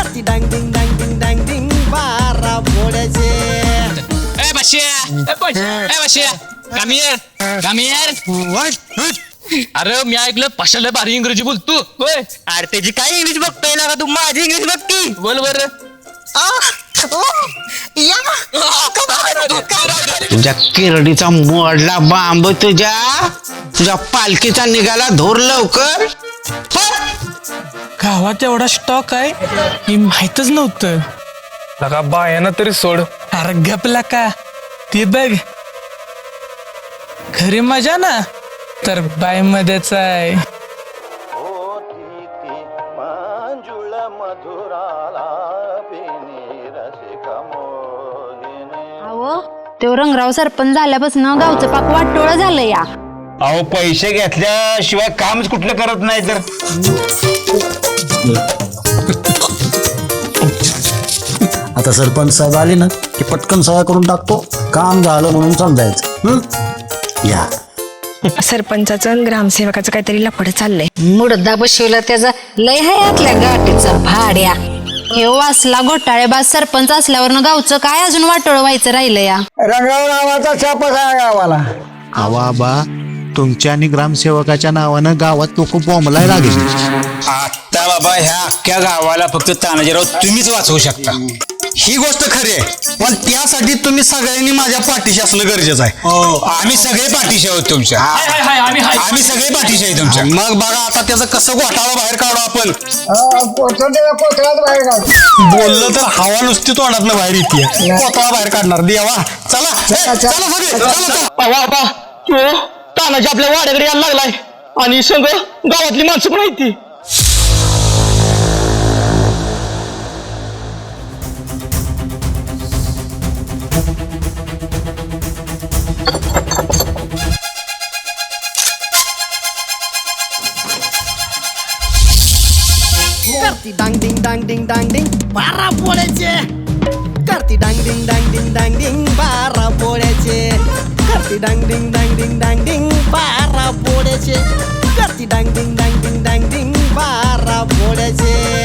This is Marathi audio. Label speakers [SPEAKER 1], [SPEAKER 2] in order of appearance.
[SPEAKER 1] करती डांग डिंग डांग डिंग डांग डिंग बारा पोळ्याचे.
[SPEAKER 2] ए बशिया कमी अरे मी ऐकलं पशाला भारी इंग्रजी बोलतो. होय
[SPEAKER 3] अरे त्याची काय इंग्लिश बघतोय ना का तू माझी इंग्लिश बघ की.
[SPEAKER 2] बोल बर.
[SPEAKER 4] तुझ्या किरडीचा मोडला बांब तुझ्या पालखीचा निघाला धोर लवकर.
[SPEAKER 5] गावात एवढा स्टॉक आहे हे माहितच नव्हतं.
[SPEAKER 6] लगा बायाना तरी सोड.
[SPEAKER 5] अरे गपला का ते बघ खरी मजा ना तर बाय मध्येच आहे.
[SPEAKER 7] अहो तो रंगराव सरपंच झाल्यापासून गावचं पाक वाटोळं झालं या.
[SPEAKER 8] अहो पैसे घेतल्याशिवाय कामच कुठलं करत नाही तर.
[SPEAKER 9] आता सरपंच साहेब आले ना की पटकन सह्या करून टाकतो, काम झालं म्हणून समजायचं. या
[SPEAKER 10] सरपंचाचं आणि ग्रामसेवकाचं काहीतरी लफड चाललंय.
[SPEAKER 7] मुडदा बसवला त्याचा लय आहे आतल्या गाठीचा भाड्या. हे वासला घोटाळेबाज सरपंच असल्यावर गावचं काय अजून वाटोळ व्हायचं राहिलं या.
[SPEAKER 9] रंगाव नावाचा छापच आहे गावाला.
[SPEAKER 11] आवा तुमच्या आणि ग्रामसेवकाच्या नावानं गावात लोक बॉम्बलाय लागले.
[SPEAKER 8] आता बाबा ह्या अख्ख्या गावाला फक्त तानाजीराव तुम्हीच वाचवू शकता. ही गोष्ट खरी आहे, पण त्यासाठी तुम्ही सगळ्यांनी माझ्या पाठीशी असणं गरजेचं आहे. आम्ही सगळे पाठीशी आहोत तुमच्या. आम्ही सगळे पाठीशी आहे तुमच्या. मग बघा आता त्याचं कसं घोटाळा बाहेर काढू आपण. बोललं तर हवा नुसती तोंडातनं बाहेर येते. कोथळा बाहेर काढणार देवा. चला चला
[SPEAKER 3] तानाजी आपल्या वाड्याकडे यायला लागलाय आणि संग गावातली माणसं पण आहेत ती.
[SPEAKER 1] करती डांग डिंग डांग डिंग डांग डिंग बारा पोळ्याचे. करती डांग डिंग डांग डिंग डांग डिंग बारा पोळ्याचे. करती डांग डिंग डांग डिंग डांग डिंग बारा पोळ्याचे. करती डांग डिंग डांग डिंग डांग डिंग बारा पोळ्याचे.